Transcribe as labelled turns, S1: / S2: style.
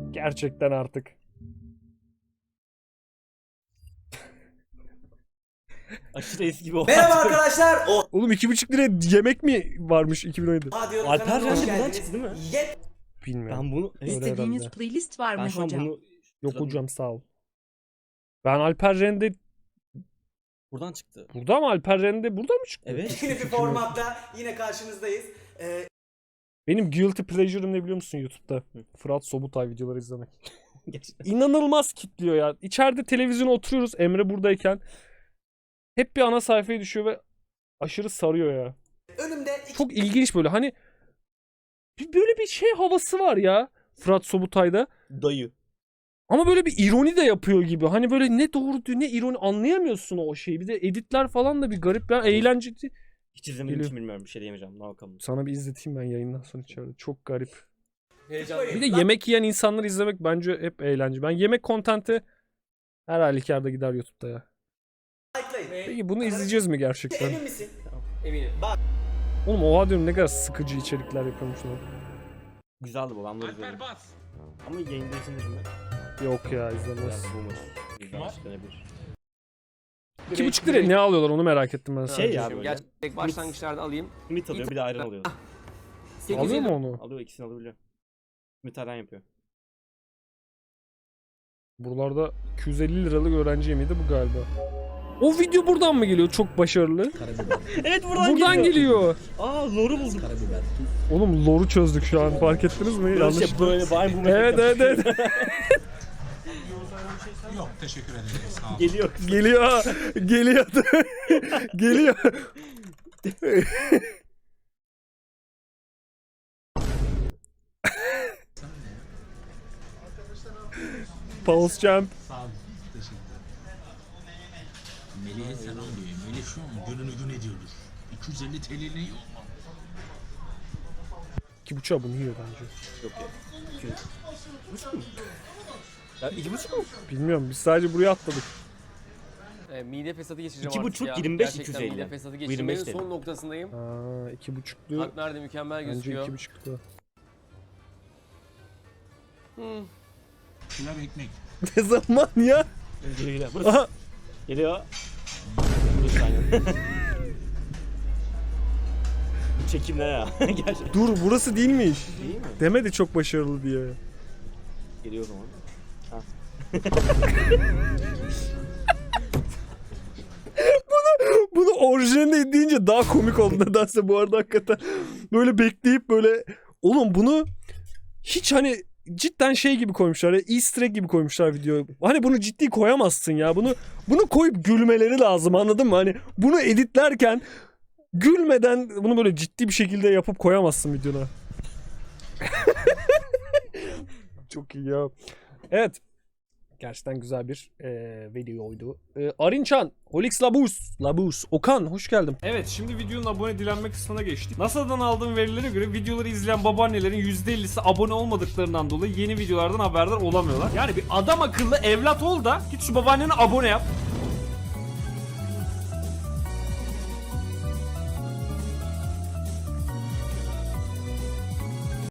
S1: Gerçekten artık.
S2: Aşırı eski bir
S3: Merhaba arkadaşlar.
S1: Oğlum 2,5 liraya yemek mi varmış 2017?
S3: Diyorum,
S2: Alper
S3: kanalıma hoş
S2: Rendi buradan
S3: geldiniz.
S2: çıktı değil mi?
S1: Bilmiyorum.
S2: Ben bunu...
S1: Öyle
S4: İstediğiniz
S1: herhalde.
S4: playlist var
S2: Ben
S4: mı
S2: şu an
S4: hocam?
S2: bunu...
S1: Yok hocam sağ ol. Ben Alper Rende
S2: Buradan çıktı.
S1: burada mı? Alper Rende burada mı çıktı?
S2: Evet.
S3: Yeni bir formatta yine karşınızdayız.
S1: Benim guilty pleasure'ım ne biliyor musun YouTube'da? Fırat Sobutay videoları izlemek.
S2: Gerçekten.
S1: İnanılmaz kitliyor ya. İçeride televizyona oturuyoruz Emre buradayken. Hep bir ana sayfaya düşüyor ve aşırı sarıyor ya.
S3: Önümde
S1: Çok ilginç böyle hani böyle bir şey havası var ya Fırat Sobutay'da.
S2: Dayı.
S1: Ama böyle bir ironi de yapıyor gibi. Hani böyle ne doğru ne ironi anlayamıyorsun o şeyi. Bir de editler falan da bir garip ya. Eğlenceli.
S2: Hiç izlemedim için bilmiyorum. Bir şey diyemeyeceğim. Ne bakalım.
S1: Sana bir izleteyim ben yayından sonra içeride. Çok garip.
S3: heyecanlı.
S1: Bir de yemek yiyen insanları izlemek bence hep eğlence. Ben yemek kontenti her halükarda gider YouTube'da ya.
S3: Like'layın.
S1: Peki bunu izleyeceğiz mi gerçekten?
S3: Emin misin?
S2: Eminim.
S1: Oğlum oha diyorum ne kadar sıkıcı içerikler yapıyormuşlar.
S2: Güzeldi bu. Ben bunu izledim. Ama yayında izlenir mi?
S1: Yok ya
S2: Biraz
S1: izlemez.
S2: boomer. Bizden çıkabilir.
S1: 2,5 liraya ne alıyorlar onu merak ettim ben.
S2: Şey
S1: sadece.
S2: ya böyle.
S5: Gerçek başlangıçlarda alayım.
S2: Ümit alıyor bir de ayran alıyor.
S1: Alıyor mu onu?
S2: Alıyor ikisini alabiliyor. Ümit ayran yapıyor.
S1: Buralarda 250 liralık öğrenci yemeği de bu galiba. O video buradan mı geliyor? Çok başarılı.
S2: Evet
S1: Buradan geliyor.
S2: Aa loru buldum.
S1: Oğlum lore'u çözdük şu an. Fark ettiniz mi?
S2: Böyle
S1: Yanlış.
S2: şey böyle vay bu
S1: Evet evet evet.
S6: Yok teşekkür ederim. Sağ olun.
S2: Geliyor.
S1: Geliyor. Geliyor. Geliyor. Pulse Jump.
S6: Sağ olun. Teşekkür ederim. Melih'e selam diyor. Melih şu an gününü gün ediyordur. 250 TL'nin yok mu?
S1: 2,5'a bunu yiyor bence.
S2: Yok ya. 2,5 mu? Ya 2,5 mu?
S1: Bilmiyorum biz sadece buraya atladık.
S5: Mide fesadı geçireceğim
S2: 2,5,
S5: artık ya.
S2: 25,
S5: Gerçekten
S2: 250.
S5: mide fesadı
S2: Bu
S5: geçirmenin
S2: 25
S5: son noktasındayım.
S1: Aa 2,5'lu.
S5: Kalp nerede mükemmel
S1: Bence
S5: gözüküyor.
S1: 2,5'lu.
S6: Pilav ekmek.
S1: Ne zaman ya?
S2: Geliyor.
S1: Aha.
S2: Geliyor. Burası aynen. Bu çekim ne ya? Gerçekten.
S1: Dur burası değilmiş.
S2: Değil mi?
S1: Demedi çok başarılı diye.
S2: Geliyor o zaman. Ha.
S1: Bunu orijinalinde deyince daha komik oldu nedense bu arada hakikaten. Böyle bekleyip böyle oğlum bunu hiç hani cidden şey gibi koymuşlar ya easter egg gibi koymuşlar video. Hani bunu ciddi koyamazsın ya. Bunu koyup gülmeleri lazım anladın mı? Hani bunu editlerken gülmeden bunu böyle ciddi bir şekilde yapıp koyamazsın videona. Çok iyi ya. Evet. Gerçekten güzel bir videoydu. Arinçan, Holix Labus, Okan hoş geldin. Evet şimdi videonun abone dilenme kısmına geçtik. NASA'dan aldığım verilere göre videoları izleyen babaannelerin %50'si abone olmadıklarından dolayı yeni videolardan haberdar olamıyorlar. Yani bir adam akıllı evlat ol da git şu babaannene abone yap.